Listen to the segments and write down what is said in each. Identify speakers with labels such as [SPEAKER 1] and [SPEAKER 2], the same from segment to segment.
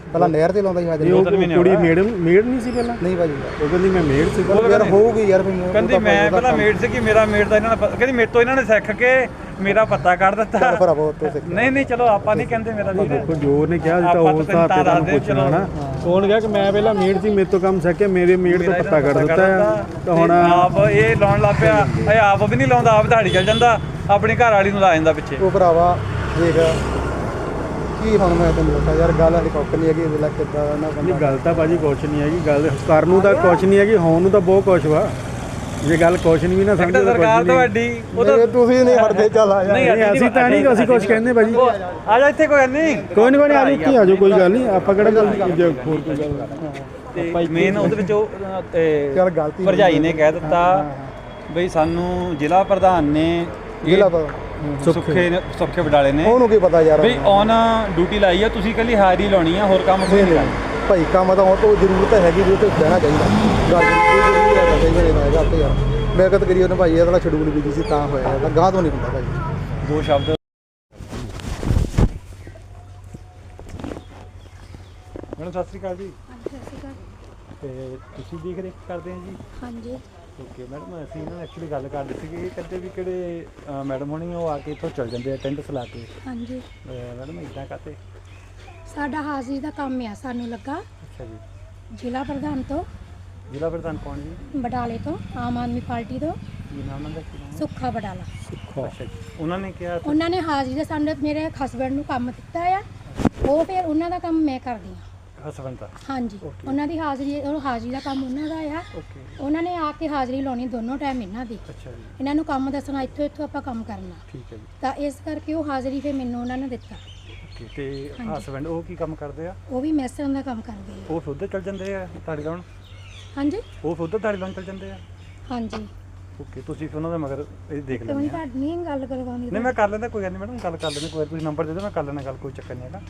[SPEAKER 1] ਪਹਿਲਾਂ ਨਹਿਰ ਤੇ ਲਾਉਂਦਾ ਸੀ ਹਾਜ਼ਰੀ।
[SPEAKER 2] ਕੁੜੀ ਮੇੜ ਨਹੀਂ ਸੀ ਪਹਿਲਾਂ?
[SPEAKER 1] ਨਹੀਂ ਭਾਜੀ,
[SPEAKER 2] ਉਹ ਕਹਿੰਦੀ ਮੈਂ ਮੇੜ ਸੀ।
[SPEAKER 1] ਯਾਰ ਹੋਊਗੀ ਯਾਰ,
[SPEAKER 3] ਕਹਿੰਦੀ ਮੈਂ ਪਹਿਲਾਂ ਮੇੜ ਸੀ ਕਿ ਮੇਰਾ ਮੇੜ ਦਾ ਇਹਨਾਂ ਨੇ ਕਹਿੰਦੀ ਮੇਰੇ ਤੋਂ ਇਹਨਾਂ ਨੇ ਸਿੱਖ ਕੇ ਮੇਰਾ ਪੱਤਾ ਕੱਢ ਦਿੱਤਾ।
[SPEAKER 1] ਭਰਾਵੋ ਤੋਂ ਸਿੱਖ।
[SPEAKER 3] ਨਹੀਂ ਚਲੋ ਆਪਾਂ ਨਹੀਂ ਕਹਿੰਦੇ ਮੇਰਾ ਵੀਰ।
[SPEAKER 2] ਦੇਖੋ ਜੋ ਉਹਨੇ ਕਿਹਾ ਸੀ ਤਾਂ ਉਸ ਹਿਸਾਬ ਤੇ ਤੁਹਾਨੂੰ ਪੁੱਛਣਾ ਨਾ। ਉਹਨੇ ਕਿਹਾ ਕਿ ਮੈਂ ਪਹਿਲਾਂ ਮੇੜ ਸੀ, ਮੇਰੇ ਤੋਂ ਕੰਮ ਸਿੱਖ ਕੇ ਮੇਰੇ ਮੇੜ ਤੋਂ ਪੱਤਾ ਕੱਢ ਦਿੱਤਾ। ਤਾਂ ਹੁਣ
[SPEAKER 3] ਆਪ ਇਹ ਲਾਉਣ ਲੱਗ ਪਿਆ। ਇਹ ਆਪ ਵੀ ਨਹੀਂ ਲਾਉਂਦਾ, ਆਪ ਦਿਹਾੜੀ ਚੱਲ ਜਾਂਦਾ, ਆਪਣੀ ਘਰ ਵਾਲੀ ਨੂੰ ਲਾ ਜਾਂਦਾ ਪਿੱਛੇ।
[SPEAKER 1] ਉਹ ਭਰਾਵਾ ਦੇਖ ਕੀ ਹੁਣ ਮੈਂ ਤੈਨੂੰ ਦੱਸਾਂ ਯਾਰ, ਗੱਲ ਵਾਲੀ ਕੁੱਕ ਨਹੀਂ ਹੈਗੀ। ਇਹਦੇ ਲੱਗ ਕਿੱਦਾਂ ਨਾ
[SPEAKER 2] ਨਹੀਂ, ਗੱਲ ਤਾਂ ਭਾਜੀ ਕੁਛ ਨਹੀਂ ਹੈਗੀ। ਗੱਲ ਕਰਨ ਨੂੰ ਤਾਂ ਕੁਛ ਨਹੀਂ ਹੈਗੀ, ਹੋਣ ਨੂੰ ਤਾਂ ਬਹੁਤ ਕੁਛ ਵਾ। ਜੇ ਗੱਲ ਕੁਛ ਨਹੀਂ ਵੀ ਨਾ ਸਮਝੋ ਤਾਂ
[SPEAKER 3] ਸਰਕਾਰ ਤੁਹਾਡੀ
[SPEAKER 1] ਤੁਸੀਂ ਨਹੀਂ ਹਟਦੇ। ਚੱਲ ਆ ਜਾ।
[SPEAKER 2] ਨਹੀਂ ਅਸੀਂ ਤਾਂ ਨਹੀਂ, ਅਸੀਂ ਕੁਛ ਕਹਿੰਦੇ ਭਾਜੀ।
[SPEAKER 3] ਆ ਜਾ ਇੱਥੇ, ਕੋਈ ਨਹੀਂ
[SPEAKER 2] ਕੋਈ ਨਹੀਂ ਆ ਜਾਓ, ਇੱਥੇ ਆ ਜਾਓ, ਕੋਈ ਗੱਲ ਨਹੀਂ। ਆਪਾਂ ਕਿਹੜਾ ਗੱਲ ਹੋਰ ਕੋਈ ਗੱਲ
[SPEAKER 3] ਤੇ ਮੇਨ ਉਹਦੇ ਵਿੱਚ ਉਹ
[SPEAKER 1] ਚੱਲ ਗਲਤੀ
[SPEAKER 3] ਭਰਜਾਈ ਨੇ ਕਹਿ ਦਿੱਤਾ ਬਈ ਸਾਨੂੰ ਜ਼ਿਲ੍ਹਾ ਪ੍ਰਧਾਨ ਨੇ
[SPEAKER 1] ਜ਼ਿਲ੍ਹਾ
[SPEAKER 3] ਸੁੱਖੇ ਵਡਾਲੇ ਨੇ
[SPEAKER 1] ਉਹਨੂੰ ਕੀ ਪਤਾ ਯਾਰ
[SPEAKER 3] ਬਈ ਔਨ ਡਿਊਟੀ ਲਾਈ ਆ, ਤੁਸੀਂ ਕੱਲੀ ਹਾਜ਼ਰੀ ਲਾਉਣੀ ਆ, ਹੋਰ ਕੰਮ ਕੋਈ ਨਹੀਂ ਕਰਨਾ
[SPEAKER 1] ਭਾਈ। ਕੰਮ ਤਾਂ ਹੁਣ ਤੋਂ ਜ਼ਰੂਰਤ ਹੈਗੀ ਵੀ ਉੱਥੇ ਬਹਿਣਾ ਚਾਹੀਦਾ। ਗੱਲ ਜ਼ਰੂਰੀ ਹੈ ਚਾਹੀਦਾ ਹੈਗਾ ਉੱਥੇ ਯਾਰ। ਮੈਂ ਕਦ ਕਰੀ ਉਹਨੇ ਭਾਈ ਇਹਦਾ ਸ਼ਡਿਊਲ ਵੀ ਸੀ ਤਾਂ ਹੋਇਆ, ਇਹਦਾ ਗਾਹ ਤੋਂ ਨਹੀਂ ਹੁੰਦਾ ਭਾਈ।
[SPEAKER 3] ਦੋ ਸ਼ਬਦ ਮੈਡਮ ਸਤਿ ਸ਼੍ਰੀ ਅਕਾਲ ਜੀ।
[SPEAKER 4] ਸਤਿ ਸ਼੍ਰੀ ਅਕਾਲ।
[SPEAKER 3] ਤੇ ਤੁਸੀਂ ਦੇਖ ਰੇਖ ਕਰਦੇ ਹੋ ਜੀ?
[SPEAKER 4] ਹਾਂਜੀ।
[SPEAKER 3] ਓਕੇ ਮੈਡਮ, ਅਸੀਂ ਨਾ ਐਕਚੁਅਲੀ ਗੱਲ ਕਰਦੇ ਸੀਗੇ ਕਿ ਕਹਿੰਦੇ ਵੀ ਕਿਹੜੇ ਮੈਡਮ ਹੋਣੀ ਉਹ ਆ ਕੇ ਇੱਥੋਂ ਚੱਲ ਜਾਂਦੇ ਆ ਟੈਂਟ ਲਾ ਕੇ।
[SPEAKER 4] ਹਾਂਜੀ
[SPEAKER 3] ਮੈਡਮ ਇੱਦਾਂ ਕਾਤੇ?
[SPEAKER 4] ਸਾਡਾ ਹਾਜ਼ਰੀ ਦਾ ਕੰਮ ਆ, ਸਾਨੂੰ ਲੱਗਾ
[SPEAKER 3] ਅੱਛਾ ਜੀ।
[SPEAKER 4] ਜ਼ਿਲ੍ਹਾ ਪ੍ਰਧਾਨ ਤੋਂ।
[SPEAKER 3] ਜ਼ਿਲ੍ਹਾ ਪ੍ਰਧਾਨ ਕੌਣ ਜੀ?
[SPEAKER 4] ਬਡਾਲੇ ਤੋਂ, ਆਮ ਆਦਮੀ ਪਾਰਟੀ ਤੋਂ,
[SPEAKER 3] ਕੀ ਨਾਮ ਉਹਨਾਂ ਦਾ? ਕੀ ਨਾਮ?
[SPEAKER 4] ਸੁੱਖਾ ਬਡਾਲਾ।
[SPEAKER 3] ਅੱਛਾ ਜੀ। ਉਹਨਾਂ ਨੇ ਕਿਹਾ
[SPEAKER 4] ਉਹਨਾਂ ਨੇ ਹਾਜ਼ਰੀ ਦਾ ਸਾਨੂੰ ਮੇਰੇ ਹਸਬੈਂਡ ਨੂੰ ਕੰਮ ਦਿੱਤਾ ਆ, ਉਹ ਫਿਰ ਉਹਨਾਂ ਦਾ ਕੰਮ ਮੈਂ ਕਰਦੀ ਹਾਂ।
[SPEAKER 3] ਹਸਬੈਂਡ ਦਾ?
[SPEAKER 4] ਹਾਂਜੀ। ਉਹਨਾਂ ਦੀ ਹਾਜ਼ਰੀ, ਉਹ ਹਾਜ਼ਰੀ ਦਾ ਕੰਮ ਉਹਨਾਂ ਦਾ ਆ।
[SPEAKER 3] ਓਕੇ।
[SPEAKER 4] ਉਹਨਾਂ ਨੇ ਆ ਕੇ ਹਾਜ਼ਰੀ ਲਾਉਣੀ ਦੋਨੋਂ ਟਾਈਮ ਇਹਨਾਂ ਦੀ।
[SPEAKER 3] ਅੱਛਾ ਜੀ।
[SPEAKER 4] ਇਹਨਾਂ ਨੂੰ ਕੰਮ ਦੱਸਣਾ, ਇੱਥੋਂ ਆਪਾਂ ਕੰਮ ਕਰਨਾ।
[SPEAKER 3] ਠੀਕ ਹੈ ਜੀ।
[SPEAKER 4] ਤਾਂ ਇਸ ਕਰਕੇ ਉਹ ਹਾਜ਼ਰੀ ਫਿਰ ਮੈਨੂੰ ਉਹਨਾਂ ਨੇ ਦਿੱਤਾ।
[SPEAKER 3] ਓਕੇ। ਤੇ ਹਸਬੈਂਡ ਉਹ ਕੀ ਕੰਮ ਕਰਦੇ ਆ?
[SPEAKER 4] ਉਹ ਵੀ ਮੈਸਰਾਂ ਦਾ ਕੰਮ ਕਰਦੇ ਆ।
[SPEAKER 3] ਉਹ ਉੱਧਰ ਚੱਲ ਜਾਂਦੇ ਆ ਦਿਹਾੜੀ ਲਾਉਣ?
[SPEAKER 4] ਹਾਂਜੀ।
[SPEAKER 3] ਉਹ ਉੱਧਰ ਦਿਹਾੜੀ ਲਾਉਣ ਚੱਲ ਜਾਂਦੇ ਆ?
[SPEAKER 4] ਹਾਂਜੀ।
[SPEAKER 3] ਓਕੇ। ਤੁਸੀਂ ਉਹਨਾਂ ਦਾ ਮਗਰ ਇਹ ਦੇਖ
[SPEAKER 4] ਤੇ
[SPEAKER 3] ਲੈਂਦੇ
[SPEAKER 4] ਹੁਣ
[SPEAKER 3] ਆ?
[SPEAKER 4] ਤੁਹਾਡੀ ਨਹੀਂ ਗੱਲ ਕਰਵਾਉਂਦੀ।
[SPEAKER 3] ਨਹੀਂ ਮੈਂ ਕਰ ਲੈਂਦਾ, ਕੋਈ ਗੱਲ ਨਹੀਂ ਮੈਡਮ, ਗੱਲ ਕਰ ਲੈਂਦੇ। ਕੋਈ ਤੁਸੀਂ ਨੰਬਰ ਦੇ ਦਿਓ, ਮੈਂ ਕਰ ਲੈਣਾ ਗੱਲ, ਕੋਈ ਚੱਕਰ ਨਹੀਂ ਹੈਗਾ।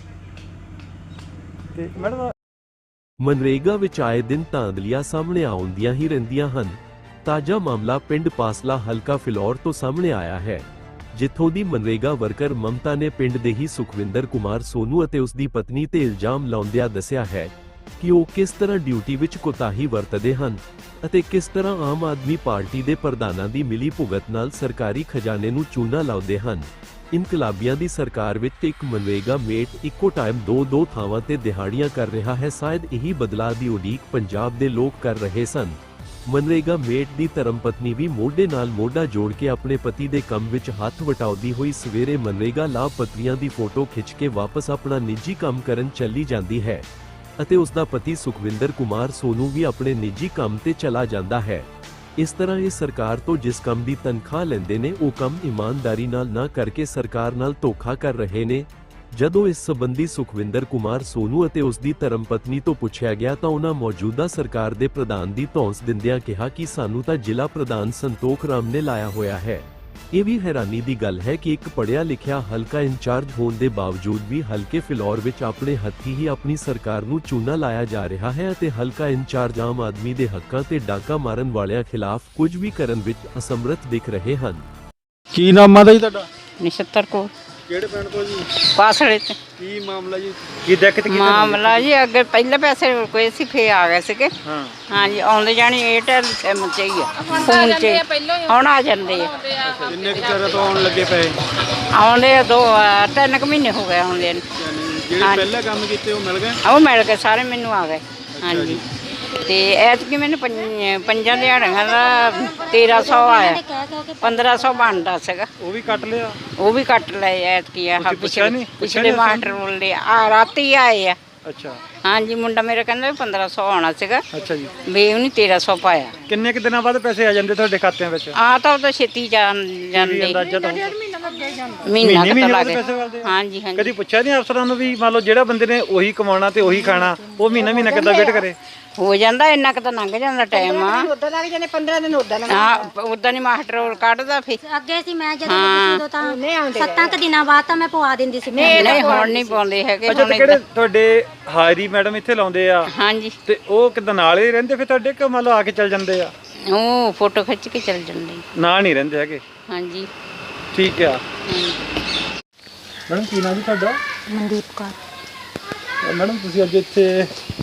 [SPEAKER 3] ਤੇ ਮੈਡਮ
[SPEAKER 5] ਮਨਰੇਗਾ ਵਿੱਚ ਆਏ ਦਿਨ ਧਾਂਦਲੀਆਂ ਸਾਹਮਣੇ ਆਉਂਦੀਆਂ ਹੀ ਰਹਿੰਦੀਆਂ ਹਨ। ਤਾਜ਼ਾ ਮਾਮਲਾ ਪਿੰਡ ਪਾਸਲਾ ਹਲਕਾ ਫਿਲੌਰ ਤੋਂ ਸਾਹਮਣੇ ਆਇਆ ਹੈ, ਜਿੱਥੋਂ ਦੀ ਮਨਰੇਗਾ ਵਰਕਰ ਮਮਤਾ ਨੇ ਪਿੰਡ ਦੇ ਹੀ ਸੁਖਵਿੰਦਰ ਕੁਮਾਰ ਸੋਨੂ ਅਤੇ ਉਸ ਦੀ ਪਤਨੀ ਤੇ ਇਲਜ਼ਾਮ ਲਾਉਂਦਿਆਂ ਦੱਸਿਆ ਹੈ ਕਿ ਉਹ ਕਿਸ ਤਰ੍ਹਾਂ ਡਿਊਟੀ ਵਿੱਚ ਕੋਤਾਹੀ ਵਰਤਦੇ ਹਨ ਅਤੇ ਕਿਸ ਤਰ੍ਹਾਂ ਆਮ ਆਦਮੀ ਪਾਰਟੀ ਦੇ ਪ੍ਰਧਾਨਾਂ ਦੀ ਮਿਲੀ ਭੁਗਤ ਨਾਲ ਸਰਕਾਰੀ ਖਜ਼ਾਨੇ ਨੂੰ ਚੂਨਾ ਲਾਉਂਦੇ ਹਨ। ਇਨਕਲਾਬੀਆਂ ਦੀ ਸਰਕਾਰ ਵਿੱਚ ਇੱਕ ਮਨਰੇਗਾ ਮੇਟ ਇੱਕੋ ਟਾਈਮ ਦੋ ਥਾਵਾਂ ਤੇ ਦਿਹਾੜੀਆਂ ਕਰ ਰਿਹਾ ਹੈ। ਸ਼ਾਇਦ ਇਹੀ ਬਦਲਾਅ ਦੀ ਉਡੀਕ ਪੰਜਾਬ ਦੇ ਲੋਕ ਕਰ ਰਹੇ ਸਨ। ਮਨਰੇਗਾ ਮੇਟ ਦੀ ਧਰਮਪਤਨੀ ਵੀ ਮੋਢੇ ਨਾਲ ਮੋਢਾ ਜੋੜ ਕੇ ਆਪਣੇ ਪਤੀ ਦੇ ਕੰਮ ਵਿੱਚ ਹੱਥ ਵਟਾਉਂਦੀ ਹੋਈ ਸਵੇਰੇ ਮਨਰੇਗਾ ਲਾਭਪਾਤਰੀਆਂ ਦੀ ਫੋਟੋ ਖਿੱਚ ਕੇ ਵਾਪਸ ਆਪਣਾ ਨਿੱਜੀ ਕੰਮ ਕਰਨ ਚਲੀ ਜਾਂਦੀ ਹੈ ਅਤੇ ਉਸ ਦਾ ਪਤੀ ਸੁਖਵਿੰਦਰ ਕੁਮਾਰ ਸੋਨੂ ਵੀ ਆਪਣੇ ਨਿੱਜੀ ਕੰਮ ਤੇ ਚਲਾ ਜਾਂਦਾ ਹੈ। ਇਸ ਤਰ੍ਹਾਂ ਇਹ ਸਰਕਾਰ ਤੋਂ ਜਿਸ ਕੰਮ ਦੀ ਤਨਖਾਹ ਲੈਂਦੇ ਨੇ ਉਹ ਕੰਮ ਇਮਾਨਦਾਰੀ ਨਾਲ ਨਾ ਕਰਕੇ ਸਰਕਾਰ ਨਾਲ ਧੋਖਾ ਕਰ ਰਹੇ ਨੇ। ਜਦੋਂ ਇਸ ਸੰਬੰਧੀ ਸੁਖਵਿੰਦਰ ਕੁਮਾਰ ਸੋਨੂ ਅਤੇ ਉਸ ਦੀ ਧਰਮਪਤਨੀ ਤੋਂ ਪੁੱਛਿਆ ਗਿਆ ਤਾਂ ਉਹਨਾਂ ਮੌਜੂਦਾ ਸਰਕਾਰ ਦੇ ਪ੍ਰਧਾਨ ਦੀ ਧੌਂਸ ਦਿੰਦਿਆਂ ਕਿਹਾ ਕਿ ਸਾਨੂੰ ਤਾਂ ਜ਼ਿਲ੍ਹਾ ਪ੍ਰਧਾਨ ਸੰਤੋਖ ਰਾਮ ਨੇ ਲਾਇਆ ਹੋਇਆ ਹੈ। ਇਹ ਵੀ ਹੈਰਾਨੀ ਦੀ ਗੱਲ ਹੈ ਕਿ ਇੱਕ ਪੜ੍ਹਿਆ ਲਿਖਿਆ ਹਲਕਾ ਇੰਚਾਰਜ ਹੋਣ ਦੇ ਬਾਵਜੂਦ ਵੀ ਹਲਕੇ ਫਿਲੌਰ ਵਿੱਚ ਆਪਣੇ ਹੱਥੀਂ ਹੀ ਆਪਣੀ ਸਰਕਾਰ ਨੂੰ ਚੂਨਾ ਲਾਇਆ ਜਾ ਰਿਹਾ ਹੈ ਅਤੇ ਹਲਕਾ ਇੰਚਾਰਜ ਆਮ ਆਦਮੀ ਦੇ ਹੱਕਾਂ ਤੇ ਡਾਕਾ ਮਾਰਨ ਵਾਲਿਆਂ ਖਿਲਾਫ ਕੁਝ ਵੀ ਕਰਨ ਵਿੱਚ ਅਸਮਰੱਥ ਦਿਖ ਰਹੇ ਹਨ।
[SPEAKER 2] ਕੀ ਨਾਮ ਆਦਾ ਜੀ ਤੁਹਾਡਾ?
[SPEAKER 6] ਨਛੱਤਰ ਕੋ
[SPEAKER 2] ਕਿਹੜੇ ਪਿੰਡ ਤੋਂ ਜੀ?
[SPEAKER 6] ਪਾਸੜੇ ਤੇ
[SPEAKER 2] ਕੀ ਮਾਮਲਾ ਜੀ? ਕੀ ਦਿੱਕਤ ਕੀ?
[SPEAKER 6] ਮਾਮਲਾ ਜੀ ਅੱਗੇ ਪਹਿਲੇ ਪੈਸੇ ਕੋਈ ਸੀ, ਫੇ ਆ ਗਏ ਸੀਗੇ।
[SPEAKER 2] ਹਾਂ।
[SPEAKER 6] ਹਾਂਜੀ, ਆਉਂਦੇ ਜਾਣੀ ਏਅਰਟੈਲ ਸਿਮ ਚ ਹੀ ਆ, ਫੋਨ ਚ ਹੁਣ ਆ ਜਾਂਦੇ ਆ।
[SPEAKER 2] ਕਿੰਨੇ ਕੁ ਚਿਰ ਤੋਂ ਆਉਣ ਲੱਗੇ ਪਏ?
[SPEAKER 6] ਆਉਂਦੇ 3 ਮਹੀਨੇ ਹੋ ਗਏ ਆਉਂਦੇ ਨੂੰ।
[SPEAKER 2] ਜਿਹੜੇ ਪਹਿਲਾਂ ਕੰਮ ਕੀਤੇ ਉਹ ਮਿਲ ਗਏ?
[SPEAKER 6] ਉਹ ਮਿਲ ਗਏ ਸਾਰੇ, ਮੈਨੂੰ ਆ ਗਏ। ਹਾਂਜੀ। ਤੇ ਐਤਕੀ ਮੈਨੂੰ ਪੰਜਾਂ ਦਿਹਾੜੀਆਂ ਦਾ 1300 ਆਇਆ, 1500 ਬਣਦਾ ਸੀਗਾ।
[SPEAKER 3] ਉਹ ਵੀ ਕੱਟ ਲਿਆ?
[SPEAKER 6] ਉਹ ਵੀ ਕੱਟ ਲਏ ਐਤਕੀ ਆ। ਪਿਛਲੇ ਮਾਸਟਰ ਬੋਲਦੇ ਆ ਰਾਤੀ ਆਏ ਆ।
[SPEAKER 3] ਅੱਛਾ।
[SPEAKER 6] ਹਾਂਜੀ, ਮੁੰਡਾ ਮੇਰਾ ਕਹਿੰਦਾ 1500 ਆਉਣਾ ਸੀਗਾ।
[SPEAKER 3] ਅੱਛਾ ਜੀ।
[SPEAKER 6] ਵੀ ਉਹਨੇ 1300 ਪਾਇਆ।
[SPEAKER 3] ਕਿੰਨੇ ਕਿ ਦਿਨਾਂ ਬਾਅਦ ਪੈਸੇ ਆ ਜਾਂਦੇ ਤੁਹਾਡੇ ਖਾਤਿਆਂ ਵਿੱਚ?
[SPEAKER 6] ਆ ਤਾਂ ਉਹ ਤਾਂ ਛੇਤੀ ਜਾਂਦੇ,
[SPEAKER 3] ਅੰਦਾਜ਼ਾ ਤਾਂ
[SPEAKER 6] ਮਹੀਨਾ ਕੁ ਲੱਗ
[SPEAKER 3] ਪੈਸੇ ਵੱਲਦੇ?
[SPEAKER 6] ਹਾਂਜੀ ਹਾਂਜੀ।
[SPEAKER 3] ਕਦੀ ਪੁੱਛਿਆ ਨਹੀਂ ਅਫਸਰਾਂ ਨੂੰ ਵੀ ਮੰਨ ਲਓ ਜਿਹੜਾ ਬੰਦੇ ਨੇ ਉਹੀ ਕਮਾਉਣਾ ਤੇ ਉਹੀ ਖਾਣਾ, ਉਹ ਮਹੀਨਾ ਕਿੱਦਾਂ ਵੇਟ ਕਰੇ?
[SPEAKER 6] ਹੋ ਜਾਂਦਾ, ਇੰਨਾ ਕੁ ਤਾਂ ਲੰਘ ਜਾਂਦਾ ਟਾਈਮ ਆ।
[SPEAKER 7] ਉਦਾਂ ਲੱਗ ਜਾਂਦੇ 15 ਦਿਨ ਉਦਾਂ ਲੱਗ
[SPEAKER 6] ਹਾਂ, ਉਦਾਂ ਨਹੀਂ ਮਾਸਟਰ ਕੱਢਦਾ ਫੇ।
[SPEAKER 7] ਅੱਗੇ ਸੀ ਮੈਂ ਜਦੋਂ ਉਦੋਂ ਤਾਂ 7 ਕੁ ਦਿਨਾਂ ਬਾਅਦ ਤਾਂ ਮੈਂ ਪਵਾ ਦਿੰਦੀ ਸੀ।
[SPEAKER 6] ਨਹੀਂ ਹੁਣ ਨਹੀਂ ਪਾਉਂਦੇ ਹੈਗੇ।
[SPEAKER 3] ਅੱਛਾ, ਤੇ ਕਿਹੜੇ ਤੁਹਾਡੇ ਹਾਜ਼ਰੀ ਮੈਡਮ ਇੱਥੇ ਲਾਉਂਦੇ ਆ?
[SPEAKER 6] ਹਾਂਜੀ।
[SPEAKER 3] ਤੇ ਉਹ ਕਿੱਦਾਂ ਨਾਲ ਹੀ ਰਹਿੰਦੇ ਫਿਰ ਤੁਹਾਡੇ, ਕਿ ਮੰਨ ਲਓ ਆ ਕੇ ਚੱਲ ਜਾਂਦੇ ਆ?
[SPEAKER 6] ਉਹ ਫੋਟੋ ਖਿੱਚ ਕੇ ਚੱਲ ਜਾਂਦੇ।
[SPEAKER 3] ਨਾਲ ਨਹੀਂ ਰਹਿੰਦੇ ਹੈਗੇ?
[SPEAKER 6] ਹਾਂਜੀ।
[SPEAKER 3] ਠੀਕ ਆ। ਮੈਡਮ ਕੀ ਨਾਮ ਜੀ ਤੁਹਾਡਾ?
[SPEAKER 7] ਮਨਦੀਪ ਕੌਰ।
[SPEAKER 3] ਮੈਡਮ ਤੁਸੀਂ ਅੱਜ ਇੱਥੇ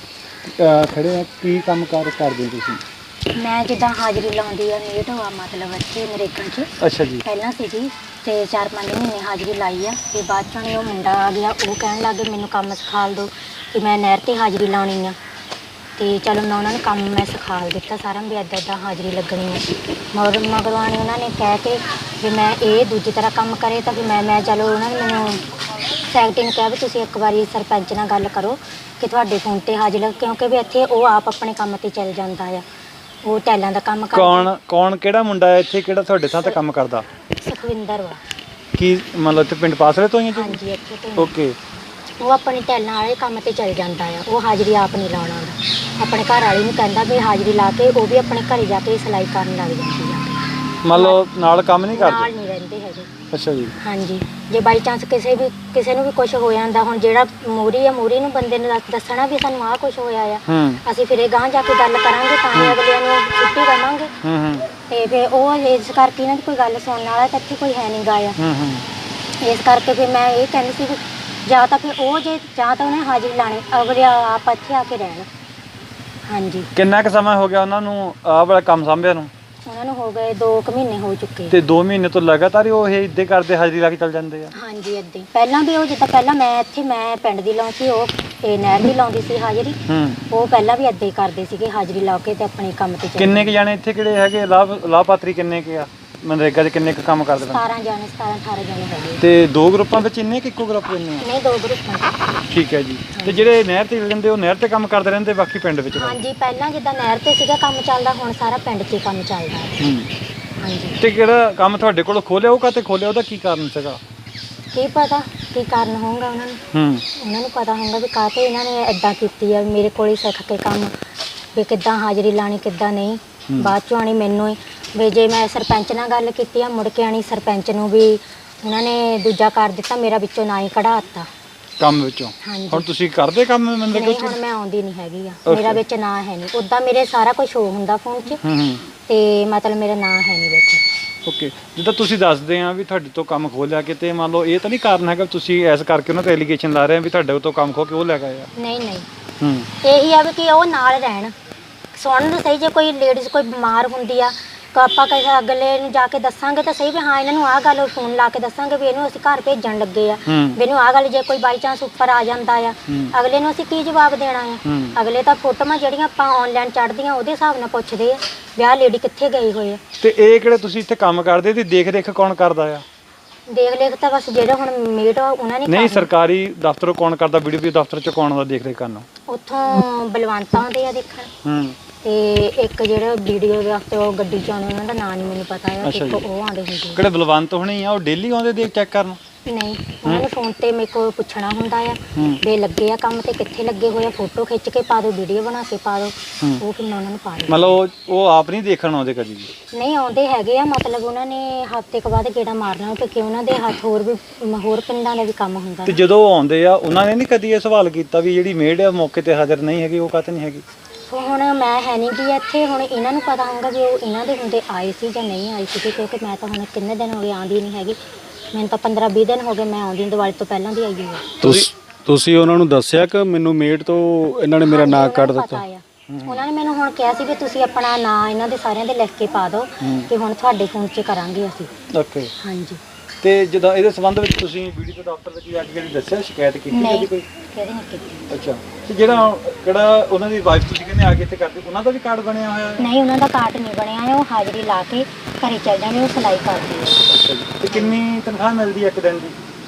[SPEAKER 3] ਖੜੇ ਆ, ਕੀ ਕੰਮ ਕਰਦੇ ਤੁਸੀਂ?
[SPEAKER 7] ਮੈਂ ਜਿੱਦਾਂ ਹਾਜ਼ਰੀ ਲਾਉਂਦੀ ਆ ਮੇਟ ਹੋਆ ਮਤਲਬ ਇੱਥੇ ਨਰੇਗਾ 'ਚ
[SPEAKER 3] ਅੱਛਾ ਜੀ।
[SPEAKER 7] ਪਹਿਲਾਂ ਸੀਗੀ ਤੇ 4-5 ਮਹੀਨੇ ਹਾਜ਼ਰੀ ਲਾਈ ਆ ਤੇ ਬਾਅਦ ਚੋਂ ਉਹ ਮੁੰਡਾ ਆ ਗਿਆ, ਉਹ ਕਹਿਣ ਲੱਗੇ ਮੈਨੂੰ ਕੰਮ ਸਿਖਾ ਦਿਓ ਕਿ ਮੈਂ ਨਹਿਰ ਤੇ ਹਾਜ਼ਰੀ ਲਾਉਣੀ ਆ। ਤੇ ਚਲੋ ਮੈਂ ਉਹਨਾਂ ਨੂੰ ਕੰਮ ਮੈਂ ਸਿਖਾ ਦਿੱਤਾ ਸਾਰਾ ਵੀ ਇੱਦਾਂ ਹਾਜ਼ਰੀ ਲੱਗਣੀ ਆ। ਮਗਰਵਾਣੀ ਉਹਨਾਂ ਨੇ ਕਹਿ ਕੇ ਵੀ ਮੈਂ ਇਹ ਦੂਜੀ ਤਰ੍ਹਾਂ ਕੰਮ ਕਰੇ ਤਾਂ ਵੀ ਮੈਂ ਚਲੋ ਉਹਨਾਂ ਨੇ ਮੈਨੂੰ ਸੈਕਟਰੀ ਨੇ ਕਿਹਾ ਵੀ ਤੁਸੀਂ ਇੱਕ ਵਾਰੀ ਸਰਪੰਚ ਨਾਲ ਗੱਲ ਕਰੋ ਕਿ ਤੁਹਾਡੇ ਫੋਨ ਤੇ ਹਾਜ਼ਰੀ, ਕਿਉਂਕਿ ਵੀ ਇੱਥੇ ਉਹ ਆਪ ਆਪਣੇ ਕੰਮ ਤੇ ਚੱਲ ਜਾਂਦਾ ਆ, ਉਹ ਟੈਲਾਂ ਦਾ ਕੰਮ ਕਰਦਾ।
[SPEAKER 3] ਕੌਣ ਕਿਹੜਾ ਮੁੰਡਾ ਹੈ ਇੱਥੇ ਕਿਹੜਾ ਤੁਹਾਡੇ ਥਾਂ ਤੇ ਕੰਮ ਕਰਦਾ?
[SPEAKER 7] ਸੁਖਵਿੰਦਰ ਵਾ।
[SPEAKER 3] ਕੀ ਮਤਲਬ ਇੱਥੇ ਪਿੰਡ ਪਾਸਲੇ ਤੋਂ ਹੀ ਹੈ?
[SPEAKER 7] ਹਾਂਜੀ ਇੱਥੇ ਤੋਂ
[SPEAKER 3] ਓਕੇ।
[SPEAKER 7] ਉਹ ਆਪਣੀ ਟੈਲਾਂ ਵਾਲੇ ਕੰਮ ਤੇ ਚੱਲ ਜਾਂਦਾ ਆ, ਉਹ ਹਾਜ਼ਰੀ ਆਪ ਨਹੀਂ ਲਾਉਣਾ ਆਉਂਦਾ। ਆਪਣੇ ਘਰ ਵਾਲੀ ਨੂੰ ਕਹਿੰਦਾ ਵੀ ਹਾਜ਼ਰੀ ਲਾ ਕੇ ਉਹ ਵੀ ਆਪਣੇ ਘਰੇ ਜਾ ਕੇ ਸਿਲਾਈ ਕਰਨ ਲੱਗ ਜਾਂਦੀ ਆ।
[SPEAKER 3] ਮਤਲਬ ਨਾਲ ਕੰਮ ਨਹੀਂ
[SPEAKER 7] ਨਾਲ
[SPEAKER 3] ਕਰਦੇ?
[SPEAKER 7] ਨਹੀਂ ਰਹਿੰਦੇ ਹੈਗੇ।
[SPEAKER 3] ਅੱਛਾ ਜੀ।
[SPEAKER 7] ਹਾਂਜੀ, ਜੇ ਬਾਈ ਚਾਂਸ ਕਿਸੇ ਨੂੰ ਵੀ ਕੁਝ ਹੋ ਜਾਂਦਾ, ਹੁਣ ਜਿਹੜਾ ਮੂਹਰੀ ਨੂੰ ਬੰਦੇ ਨੂੰ ਦੱਸਣਾ ਵੀ ਸਾਨੂੰ ਆਹ ਕੁਝ ਹੋਇਆ ਆ, ਅਸੀਂ ਫਿਰ ਇਹ ਗਾਂਹ ਜਾ ਕੇ ਗੱਲ ਕਰਾਂਗੇ ਤਾਂ ਹੀ ਅਗਲਿਆਂ ਨੂੰ ਛੁੱਟੀ ਦੇਵਾਂਗੇ। ਤੇ ਫਿਰ ਉਹ ਇਸ ਕਰਕੇ ਇਹਨਾਂ ਦੀ ਕੋਈ ਗੱਲ ਸੁਣਨ ਵਾਲਾ ਤਾਂ ਇੱਥੇ ਕੋਈ ਹੈ ਨਹੀਂ ਗਾ ਆ। ਇਸ ਕਰਕੇ ਫਿਰ ਮੈਂ ਇਹ ਕਹਿੰਦੀ ਸੀ ਵੀ ਜਾਂ ਤਾਂ ਫਿਰ ਉਹ ਜਾਂ ਤਾਂ ਉਹਨੇ ਹਾਜ਼ਰੀ ਲਾਣੀ, ਅਗਲੇ ਆਪ ਇੱਥੇ ਆ ਕੇ ਰਹਿਣ। ਹਾਂਜੀ।
[SPEAKER 3] ਕਿੰਨਾ ਕੁ ਸਮਾਂ ਹੋ ਗਿਆ ਉਹਨਾਂ ਨੂੰ ਆਹ ਵਾਲਾ ਕੰਮ ਸੰਭਿਆ ਨੂੰ?
[SPEAKER 7] ਉਹਨਾਂ ਨੂੰ ਹੋ ਗਏ 2 ਮਹੀਨੇ ਹੋ ਚੁੱਕੇ।
[SPEAKER 3] ਤੇ 2 ਮਹੀਨੇ ਤੋਂ ਲਗਾਤਾਰ ਹੀ ਉਹ ਇਹ ਇੱਦਾਂ ਕਰਦੇ ਹਾਜ਼ਰੀ ਲਾ ਕੇ ਚੱਲ ਜਾਂਦੇ ਆ?
[SPEAKER 7] ਹਾਂਜੀ ਇੱਦਾਂ ਹੀ। ਪਹਿਲਾਂ ਵੀ ਉਹ ਜਿੱਦਾਂ ਪਹਿਲਾਂ ਮੈਂ ਪਿੰਡ ਦੀ ਲਾਉਂਦੀ ਸੀ, ਉਹ ਨਹਿਰ ਦੀ ਲਾਉਂਦੀ ਸੀ ਹਾਜ਼ਰੀ। ਉਹ ਪਹਿਲਾਂ ਵੀ ਇੱਦਾਂ ਹੀ ਕਰਦੇ ਸੀਗੇ ਹਾਜ਼ਰੀ ਲਾ ਕੇ ਤੇ ਆਪਣੇ ਕੰਮ ਤੇ ਚੱਲ।
[SPEAKER 3] ਕਿੰਨੇ ਕੁ ਜਾਣੇ ਇੱਥੇ ਕਿਹੜੇ ਹੈਗੇ ਲਾਭਪਾਤਰੀ ਕਿੰਨੇ ਕੁ ਆ ਮਨਰੇਗਾ 'ਚ ਕਿੰਨੇ ਕੁ ਕੰਮ ਕਰਦੇ?
[SPEAKER 7] 17 ਜਾਣੇ 17-18 ਜਾਣੇ ਹੈਗੇ।
[SPEAKER 3] ਤੇ 2 ਗਰੁੱਪਾਂ ਵਿੱਚ ਇੰਨੇ ਕਿ ਇੱਕੋ ਗਰੁੱਪ ਇੰਨੇ ਆ?
[SPEAKER 7] ਨਹੀਂ 2 ਗਰੁੱਪਾਂ।
[SPEAKER 3] ਠੀਕ ਹੈ ਜੀ। ਤੇ ਜਿਹੜੇ ਨਹਿਰ ਤੇ ਰਹਿੰਦੇ ਉਹ ਨਹਿਰ ਤੇ ਕੰਮ ਕਰਦੇ ਰਹਿੰਦੇ, ਬਾਕੀ ਪਿੰਡ ਵਿੱਚ?
[SPEAKER 7] ਹਾਂਜੀ, ਪਹਿਲਾਂ ਜਿੱਦਾਂ ਨਹਿਰ ਤੇ ਸੀਗਾ ਕੰਮ ਚੱਲਦਾ, ਹੁਣ ਸਾਰਾ ਪਿੰਡ 'ਚ ਹੀ ਕੰਮ ਚੱਲਦਾ। ਹਾਂਜੀ।
[SPEAKER 3] ਤੇ ਕਿਹੜਾ ਕੰਮ ਤੁਹਾਡੇ ਕੋਲ ਖੋਲਿਆ, ਉਹ ਕਾਹਤੇ ਖੋਲਿਆ, ਉਹਦਾ ਕੀ ਕਾਰਨ ਸੀਗਾ?
[SPEAKER 7] ਕੀ ਪਤਾ ਕੀ ਕਾਰਨ ਹੋਊਗਾ ਉਹਨਾਂ ਨੂੰ। ਉਹਨਾਂ ਨੂੰ ਪਤਾ ਹੋਊਗਾ ਵੀ ਕਾਹਤੇ ਇਹਨਾਂ ਨੇ ਇਦਾਂ ਕੀਤੀ ਆ, ਮੇਰੇ ਕੋਲ ਹੀ ਸਿੱਖ ਕੇ ਕੰਮ ਵੀ ਕਿੱਦਾਂ ਹਾਜ਼ਰੀ ਲਾਣੀ ਕਿੱਦਾਂ ਨਹੀਂ। ਬਾਅਦ ਚੋਂ ਆਣੀ ਮੈਨੂੰ ਹੀ ਵੀ ਜੇ ਮੈਂ ਸਰਪੰਚ ਨਾਲ ਗੱਲ ਕੀਤੀ ਆ, ਮੁੜ ਕੇ ਆਣੀ ਸਰਪੰਚ ਨੂੰ ਵੀ ਉਹਨਾਂ ਨੇ ਦੂਜਾ ਕਰ ਦਿੱਤਾ, ਮੇਰਾ ਵਿੱਚੋਂ ਨਾ ਹੀ ਕਢਾ ਦਿੱਤਾ
[SPEAKER 3] ਕੰਮ ਵਿੱਚੋਂ।
[SPEAKER 7] ਹਾਂਜੀ।
[SPEAKER 3] ਹੁਣ ਤੁਸੀਂ ਕਰਦੇ ਕੰਮ ਮਨਰੇਗਾ
[SPEAKER 7] ਨਹੀਂ,
[SPEAKER 3] 'ਚ?
[SPEAKER 7] ਹੁਣ ਮੈਂ ਆਉਂਦੀ ਨਹੀਂ ਹੈਗੀ ਆ, ਮੇਰਾ ਵਿੱਚ ਨਾਂ ਹੈ ਨਹੀਂ। ਉੱਦਾਂ ਮੇਰੇ ਸਾਰਾ ਕੁਝ ਸ਼ੋ ਹੁੰਦਾ ਫੋਨ 'ਚ ਤੇ ਮਤਲਬ ਮੇਰਾ ਨਾਂ ਹੈ ਨਹੀਂ ਵਿੱਚ।
[SPEAKER 3] ਓਕੇ। ਜਿੱਦਾਂ ਤੁਸੀਂ ਦੱਸਦੇ ਆ ਵੀ ਤੁਹਾਡੇ ਤੋਂ ਕੰਮ ਖੋਹ ਲਿਆ, ਕਿਤੇ ਮੰਨ ਲਓ ਇਹ ਤਾਂ ਨਹੀਂ ਕਾਰਨ ਹੈਗਾ ਤੁਸੀਂ ਐਸ ਕਰਕੇ ਉਹਨਾਂ ਤੇ ਐਲੀਗੇਸ਼ਨ ਲਾ ਰਹੇ ਆ ਵੀ ਤੁਹਾਡੇ ਤੋਂ ਕੰਮ ਖੋ ਕੇ ਉਹ ਲੈ ਗਏ ਆ?
[SPEAKER 7] ਨਹੀਂ ਨਹੀਂ, ਇਹੀ ਆ ਵੀ ਕਿ ਉਹ ਨਾਲ ਰਹਿਣ, ਸੁਣਨ ਨੂੰ ਸਹੀ। ਜੇ ਕੋਈ ਲੇਡੀਜ਼ ਕੋਈ ਬਿਮਾਰ ਹੁੰਦੀ ਆ ਤਾਂ ਆਪਾਂ ਕਿਸੇ ਅਗਲੇ ਨੂੰ ਜਾ ਕੇ ਦੱਸਾਂਗੇ ਤਾਂ ਸਹੀ ਵੀ ਹਾਂ ਇਹਨਾਂ ਨੂੰ ਆਹ ਗੱਲ ਫੋਨ ਲਾ ਕੇ ਦੱਸਾਂਗੇ ਵੀ ਇਹਨੂੰ ਅਸੀਂ ਘਰ ਭੇਜਣ ਲੱਗੇ ਆ, ਵੀ ਇਹਨੂੰ ਆਹ ਗੱਲ। ਜੇ ਕੋਈ ਬਾਈ ਚਾਂਸ ਉੱਪਰ ਆ ਜਾਂਦਾ ਆ, ਅਗਲੇ ਨੂੰ ਅਸੀਂ ਕੀ ਜਵਾਬ ਦੇਣਾ ਆ? ਅਗਲੇ ਤਾਂ ਫੋਟੋਆਂ ਜਿਹੜੀਆਂ ਆਪਾਂ ਆਨਲਾਈਨ ਚੜ੍ਹਦੀਆਂ ਉਹਦੇ ਹਿਸਾਬ ਨਾਲ ਪੁੱਛਦੇ ਆ ਵੀ ਆਹ ਲੇਡੀ ਕਿੱਥੇ ਗਈ ਹੋਈ ਆ।
[SPEAKER 3] ਤੇ ਇਹ ਕਿਹੜੇ ਤੁਸੀਂ ਇੱਥੇ ਕੰਮ ਕਰਦੇ ਤੇ ਦੇਖ ਰੇਖ ਕੌਣ ਕਰਦਾ ਆ?
[SPEAKER 7] ਦੇਖ ਲੇਖ ਤਾਂ ਬਸ ਜਿਹੜੇ ਹੁਣ ਮੇਟ ਉਹਨਾਂ ਨੇ
[SPEAKER 3] ਨਹੀਂ, ਸਰਕਾਰੀ ਦਫ਼ਤਰੋਂ ਕੌਣ ਕਰਦਾ? ਵੀਡੀਓ ਦਫ਼ਤਰ ਚ ਕੌਣ ਆਉਂਦਾ ਦੇਖ ਰੇਖ ਕਰਨ?
[SPEAKER 7] ਉੱਥੋਂ ਬਲਵੰਤ ਆਉਂਦੇ ਆ ਦੇਖਣ। ਤੇ ਇੱਕ ਜਿਹੜਾ ਵੀਡੀਓ ਦੇ ਹਫਤੇ ਉਹ ਗੱਡੀ ਚ ਆਉਂਦੇ, ਉਹਨਾਂ ਦਾ ਨਾਂ ਨਹੀਂ ਮੈਨੂੰ ਪਤਾ ਆ, ਇੱਕ ਉਹ ਆਉਂਦੇ ਹੁੰਦੇ।
[SPEAKER 3] ਕਿਹੜੇ ਬਲਵੰਤ ਹੋਣੇ ਆ? ਉਹ ਡੇਲੀ ਆਉਂਦੇ ਦੇਖ ਚੈੱਕ ਕਰਨ?
[SPEAKER 7] ਨਹੀਂ, ਉਹਨਾਂ ਨੇ ਫੋਨ ਤੇ ਮੇਰੇ ਕੋਲ ਪੁੱਛਣਾ ਹੁੰਦਾ ਆ ਵੀ ਲੱਗੇ ਆ ਕੰਮ ਤੇ ਕਿੱਥੇ ਲੱਗੇ ਹੋਏ ਆ, ਫੋਟੋ ਖਿੱਚ ਕੇ ਪਾ ਦਿਓ, ਵੀਡੀਓ ਬਣਾ ਕੇ ਪਾ ਦਿਓ, ਉਹ ਫਿਰ ਮੈਂ ਉਹਨਾਂ ਨੂੰ ਪਾ ਦਿੰਦੀ।
[SPEAKER 3] ਮਤਲਬ ਉਹ ਆਪ ਨਹੀਂ ਦੇਖਣ ਆਉਂਦੇ ਕਦੀ ਵੀ?
[SPEAKER 7] ਨਹੀਂ, ਆਉਂਦੇ ਹੈਗੇ ਆ, ਮਤਲਬ ਉਹਨਾਂ ਨੇ ਹਫ਼ਤੇ ਕੁ ਬਾਅਦ ਗੇੜਾ ਮਾਰਨਾ ਕਿਉਂਕਿ ਉਹਨਾਂ ਦੇ ਹੱਥ ਹੋਰ ਪਿੰਡਾਂ ਦਾ ਵੀ ਕੰਮ ਹੁੰਦਾ।
[SPEAKER 3] ਤੇ ਜਦੋਂ ਉਹ ਆਉਂਦੇ ਆ ਉਹਨਾਂ ਨੇ ਨਹੀਂ ਕਦੀ ਇਹ ਸਵਾਲ ਕੀਤਾ ਵੀ ਜਿਹੜੀ ਮੇਡ ਆ ਮੌਕੇ ਤੇ ਹਾਜ਼ਰ ਨਹੀਂ ਹੈਗੀ, ਉਹ ਕਾਹਤੇ ਨਹੀਂ ਹੈਗੀ?
[SPEAKER 7] ਹੁਣ ਮੈਂ ਹੈ ਨਹੀਂ ਗਈ ਇੱਥੇ, ਹੁਣ ਇਹਨਾਂ ਨੂੰ ਪਤਾ ਹੋਊਗਾ ਵੀ ਉਹ ਇਹਨਾਂ ਦੇ ਹੁੰਦੇ ਆਏ ਸੀ ਜਾਂ ਨਹੀਂ ਆਏ ਸੀ, ਕਿਉਂਕਿ ਮੈਂ ਤਾਂ ਹੁਣ ਕਿੰਨੇ ਦਿਨ ਹੋ ਗਏ ਆਉਂਦੀ ਨਹੀਂ ਹੈਗੀ। ਮੈਨੂੰ ਤਾਂ 15-20 ਦਿਨ ਹੋ ਗਏ ਮੈਂ ਆਉਂਦੀ, ਦੀਵਾਲੀ ਤੋਂ ਪਹਿਲਾਂ ਦੀ ਆਈ ਹੋਈ।
[SPEAKER 2] ਤੁਸੀਂ ਉਹਨਾਂ ਨੂੰ ਦੱਸਿਆ ਕਿ ਮੈਨੂੰ ਮੇਡ ਤੋਂ ਇਹਨਾਂ ਨੇ ਮੇਰਾ ਨਾਂ ਕੱਢ ਦਿੱਤਾ?
[SPEAKER 7] ਉਹਨਾਂ ਨੇ ਮੈਨੂੰ ਹੁਣ ਕਿਹਾ ਸੀ ਵੀ ਤੁਸੀਂ ਆਪਣਾ ਨਾਂ ਇਹਨਾਂ ਦੇ ਸਾਰਿਆਂ ਦੇ ਲਿਖ ਕੇ ਪਾ ਦਿਓ ਕਿ ਹੁਣ ਤੁਹਾਡੇ ਫੋਨ 'ਚ ਕਰਾਂਗੇ ਅਸੀਂ।
[SPEAKER 3] ਓਕੇ।
[SPEAKER 7] ਹਾਂਜੀ।
[SPEAKER 3] ਤੇ ਜਦੋਂ ਇਹਦੇ ਸੰਬੰਧ ਵਿੱਚ ਤੁਸੀਂ ਵੀਡੀਓ ਦੇ ਦਫ਼ਤਰ ਵਿੱਚ ਜਾ ਕੇ ਦੱਸਿਆ, ਸ਼ਿਕਾਇਤ ਕੀਤੀ ਕਦੀ ਕੋਈ?
[SPEAKER 7] ਨਹੀਂ ਕੀਤੀ।
[SPEAKER 3] ਅੱਛਾ। ਤੇ ਕਿਹੜਾ ਉਹਨਾਂ ਦੀ ਵਾਈਫ ਤੁਸੀਂ ਕਹਿੰਦੇ ਆ ਕੇ ਇੱਥੇ ਕਰਦੇ, ਉਹਨਾਂ ਦਾ ਵੀ ਕਾਰਡ ਬਣਿਆ ਹੋਇਆ ਹੈ?
[SPEAKER 7] ਨਹੀਂ, ਉਹਨਾਂ ਦਾ ਕਾਰਡ ਨਹੀਂ ਬਣਿਆ ਹੈ, ਉਹ ਹਾਜ਼ਰੀ ਲਾ ਕੇ ਘਰੇ ਚੱਲ ਜਾਂਦੇ, ਉਹ ਸਿਲਾਈ ਕਰਦੇ ਆ।
[SPEAKER 3] ਅੱਛਾ ਜੀ। ਤੇ ਕਿੰਨੀ ਤਨਖਾਹ ਮਿਲਦੀ ਹੈ ਇੱਕ ਦਿਨ ਦੀ?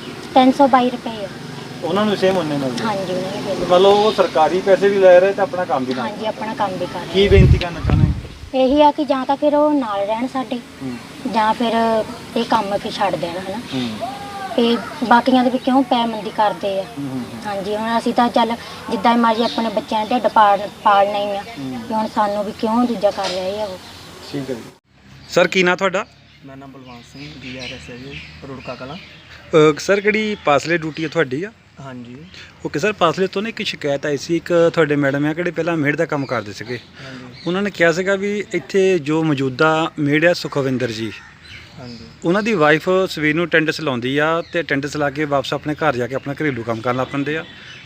[SPEAKER 7] 322 ਰੁਪਏ ਆ।
[SPEAKER 3] ਉਹਨਾਂ ਨੂੰ ਸੇਮ ਉਹਨੇ ਮਿਲਦੀ?
[SPEAKER 7] ਹਾਂਜੀ, ਉਹਨਾਂ ਨੇ
[SPEAKER 3] ਮਤਲਬ ਉਹ ਸਰਕਾਰੀ ਪੈਸੇ ਵੀ ਲੈ ਰਹੇ ਤੇ ਆਪਣਾ ਕੰਮ ਵੀ ਨਾਲ?
[SPEAKER 7] ਹਾਂਜੀ, ਆਪਣਾ ਕੰਮ ਵੀ ਕਰ ਰਹੇ।
[SPEAKER 3] ਕੀ ਬੇਨਤੀ ਕਰਨਾ ਚਾਹੁੰਦੇ?
[SPEAKER 7] ਇਹੀ ਆ ਕਿ ਜਾਂ ਤਾਂ ਫਿਰ ਉਹ ਨਾਲ ਰਹਿਣ ਸਾਡੇ, ਜਾਂ ਫਿਰ ਇਹ ਕੰਮ ਫਿਰ ਛੱਡ ਦੇਣ, ਹਨਾ। ਤੇ ਬਾਕੀਆਂ ਦੇ ਵੀ ਕਿਉਂ ਪੈਮੰਦੀ ਕਰਦੇ ਆ। ਹਾਂਜੀ, ਹੁਣ ਅਸੀਂ ਤਾਂ ਚੱਲ ਜਿੱਦਾਂ ਮਰਜ਼ੀ ਆਪਣੇ ਬੱਚਿਆਂ ਦੇ ਢਿੱਡ ਪਾਲਣਾ ਹੀ ਆ, ਕਿ ਹੁਣ ਸਾਨੂੰ ਵੀ ਕਿਉਂ ਦੂਜਾ ਕਰ ਰਹੇ ਆ ਉਹ।
[SPEAKER 3] ਠੀਕ ਹੈ ਜੀ। ਸਰ ਕੀ ਨਾਂ ਤੁਹਾਡਾ?
[SPEAKER 8] ਮੇਰਾ ਨਾਮ ਬਲਵੰਤ ਸਿੰਘ, DRS ਹੈ ਜੀ, ਰੁੜਕਾ ਕਲਾਂ।
[SPEAKER 3] ਸਰ ਕਿਹੜੀ ਪਾਸਲੇ ਡਿਊਟੀ ਹੈ ਤੁਹਾਡੀ ਆ?
[SPEAKER 8] ਹਾਂਜੀ।
[SPEAKER 3] ਓਕੇ ਸਰ, ਪਾਸਲੇ ਤੋਂ ਨਾ ਇੱਕ ਸ਼ਿਕਾਇਤ ਆਈ ਸੀ, ਇੱਕ ਤੁਹਾਡੇ ਮੈਡਮ ਆ ਕਿਹੜੇ ਪਹਿਲਾਂ ਮੇਡ ਦਾ ਕੰਮ ਕਰਦੇ ਸੀਗੇ, ਉਹਨਾਂ ਨੇ ਕਿਹਾ ਸੀਗਾ ਵੀ ਇੱਥੇ ਜੋ ਮੌਜੂਦਾ ਮੇਡ ਆ ਸੁਖਵਿੰਦਰ ਜੀ,
[SPEAKER 8] ਹਾਂਜੀ,
[SPEAKER 3] ਉਹਨਾਂ ਦੀ ਵਾਈਫ ਸਵੇਰ ਨੂੰ ਅਟੈਂਡੈਂਸ ਲਾਉਂਦੀ ਆ ਤੇ ਅਟੈਂਡੈਂਸ ਲਾ ਕੇ ਵਾਪਸ ਆਪਣੇ ਘਰ ਜਾ ਕੇ ਆਪਣਾ ਘਰੇਲੂ ਕੰਮ ਕਰਨ ਲੱਗ ਪੈਂਦੇ ਆ,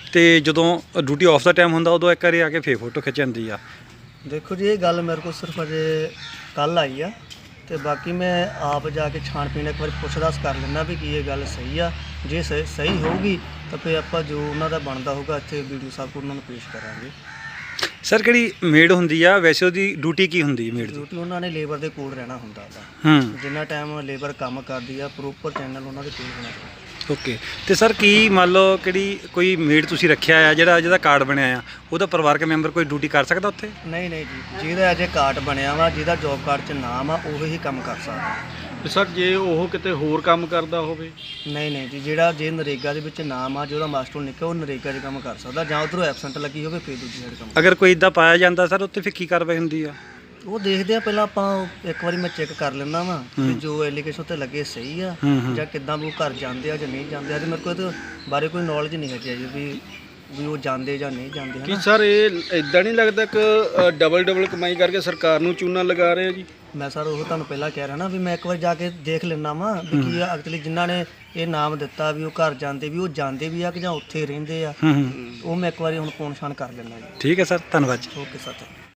[SPEAKER 3] ਤੇ ਜਦੋਂ ਡਿਊਟੀ ਆਫ ਦਾ ਟਾਈਮ ਹੁੰਦਾ ਉਦੋਂ ਇੱਕ ਵਾਰੀ ਆ ਕੇ ਫੇਰ ਫੋਟੋ ਖਿੱਚ ਜਾਂਦੀ ਆ।
[SPEAKER 8] ਦੇਖੋ ਜੀ, ਇਹ ਗੱਲ ਮੇਰੇ ਕੋਲ ਸਿਰਫ ਅਜੇ ਕੱਲ ਆਈ ਆ, ਤੇ ਬਾਕੀ ਮੈਂ ਆਪ ਜਾ ਕੇ ਛਾਣ ਪੀਣ ਇੱਕ ਵਾਰੀ ਪੁੱਛ-ਦੱਸ ਕਰ ਲੈਂਦਾ ਵੀ ਕੀ ਇਹ ਗੱਲ ਸਹੀ ਆ। ਜੇ ਸਹੀ ਹੋਊਗੀ ਤਾਂ ਫਿਰ ਆਪਾਂ ਜੋ ਉਹਨਾਂ ਦਾ ਬਣਦਾ ਹੋਊਗਾ ਇੱਥੇ ਵੀਡੀਓ ਸਾਹਿਬ ਕੋਲ ਉਹਨਾਂ ਨੂੰ ਪੇਸ਼ ਕਰਾਂਗੇ।
[SPEAKER 3] ਸਰ ਕਿਹੜੀ ਮੇਡ ਹੁੰਦੀ ਆ ਵੈਸੇ ਉਹਦੀ ਡਿਊਟੀ ਕੀ ਹੁੰਦੀ ਹੈ ਮੇਡ ਦੀ?
[SPEAKER 8] ਡਿਊਟੀ ਉਹਨਾਂ ਨੇ ਲੇਬਰ ਦੇ ਕੋਲ ਰਹਿਣਾ ਹੁੰਦਾ ਵਾ।
[SPEAKER 3] ਹੂੰ
[SPEAKER 8] ਜਿੰਨਾ ਟਾਈਮ ਲੇਬਰ ਕੰਮ ਕਰਦੀ ਆ ਪ੍ਰੋਪਰ ਚੈਨਲ ਉਹਨਾਂ ਦੇ ਕੋਲ ਹੋਣਾ ਚਾਹੀਦਾ।
[SPEAKER 3] ਓਕੇ। ਤੇ ਸਰ ਕੀ ਮੰਨ ਲਓ ਕਿਹੜੀ ਕੋਈ ਮੇਡ ਤੁਸੀਂ ਰੱਖਿਆ ਆ ਜਿਹਦਾ ਕਾਰਡ ਬਣਿਆ ਆ ਉਹਦਾ ਪਰਿਵਾਰਕ ਮੈਂਬਰ ਕੋਈ ਡਿਊਟੀ ਕਰ ਸਕਦਾ ਉੱਥੇ?
[SPEAKER 8] ਨਹੀਂ ਜੀ, ਜਿਹਦਾ ਅਜੇ ਕਾਰਡ ਬਣਿਆ ਵਾ, ਜਿਹਦਾ ਜੋਬ ਕਾਰਡ 'ਚ ਨਾਮ ਆ, ਉਹੀ ਕੰਮ ਕਰ ਸਕਦਾ।
[SPEAKER 2] ਸਰ ਜੇ ਉਹ ਕਿਤੇ ਹੋਰ ਕੰਮ ਕਰਦਾ ਹੋਵੇ?
[SPEAKER 8] ਨਹੀਂ ਜੀ, ਜਿਹੜਾ ਜੇ ਨਰੇਗਾ ਦੇ ਵਿੱਚ ਨਾਮ ਆ, ਜਿਹਦਾ ਮਾਸਟਰ ਨਿਕਲਿਆ, ਉਹ ਨਰੇਗਾ 'ਚ ਕੰਮ ਕਰ ਸਕਦਾ, ਜਾਂ ਉੱਧਰੋਂ ਐਬਸੈਂਟ ਲੱਗੀ ਹੋਵੇ ਫਿਰ ਦੂਜੀ ਸਾਈਡ ਕੰਮ।
[SPEAKER 3] ਅਗਰ ਕੋਈ ਇਦਾਂ ਪਾਇਆ ਜਾਂਦਾ ਸਰ ਉੱਥੇ ਫਿਰ ਕੀ ਕਾਰਵਾਈ ਹੁੰਦੀ ਆ?
[SPEAKER 8] ਉਹ ਦੇਖਦੇ ਆ, ਪਹਿਲਾਂ ਆਪਾਂ ਇੱਕ ਵਾਰੀ ਮੈਂ ਚੈੱਕ ਕਰ ਲੈਂਦਾ ਵਾਂ ਕਿ ਜੋ ਐਲੀਗੇਸ਼ਨ ਉੱਤੇ ਲੱਗੇ ਸਹੀ ਆ ਜਾਂ ਕਿੱਦਾਂ ਵੀ ਉਹ ਘਰ ਜਾਂਦੇ ਆ ਜਾਂ ਨਹੀਂ ਜਾਂਦੇ ਆ। ਤੇ ਮੇਰੇ ਕੋਲ ਇਹਦੇ ਬਾਰੇ ਕੋਈ ਨੌਲੇਜ ਨਹੀਂ ਹੈਗੀ ਜੀ ਵੀ ਉਹ ਜਾਂਦੇ ਜਾਂ ਨਹੀਂ ਜਾਂਦੇ।
[SPEAKER 2] ਕੀ ਸਰ ਇਹ ਇਦਾਂ ਨਹੀਂ ਲੱਗਦਾ ਕਿ ਡਬਲ ਕਮਾਈ ਕਰਕੇ ਸਰਕਾਰ ਨੂੰ ਚੂਨਾ ਲਗਾ ਰਹੇ ਆ ਜੀ?
[SPEAKER 8] ਮੈਂ ਸਰ ਉਹ ਤੁਹਾਨੂੰ ਪਹਿਲਾਂ ਕਹਿ ਰਿਹਾ ਨਾ ਵੀ ਮੈਂ ਇੱਕ ਵਾਰ ਜਾ ਕੇ ਦੇਖ ਲੈਣਾ ਵਾਂ ਵੀ ਕੀ ਆ ਐਕਚੁਅਲੀ ਜਿਨ੍ਹਾਂ ਨੇ ਇਹ ਨਾਮ ਦਿੱਤਾ ਵੀ ਉਹ ਘਰ ਜਾਂਦੇ ਵੀ, ਉਹ ਜਾਂਦੇ ਵੀ ਆ ਕਿ ਜਾਂ ਉੱਥੇ ਰਹਿੰਦੇ ਆ। ਉਹ ਮੈਂ ਇੱਕ ਵਾਰੀ ਹੁਣ ਪੌਣ ਛਾਣ ਕਰ ਲੈਣਾ ਜੀ।
[SPEAKER 3] ਠੀਕ ਹੈ ਸਰ, ਧੰਨਵਾਦ ਜੀ।
[SPEAKER 8] Okay sir.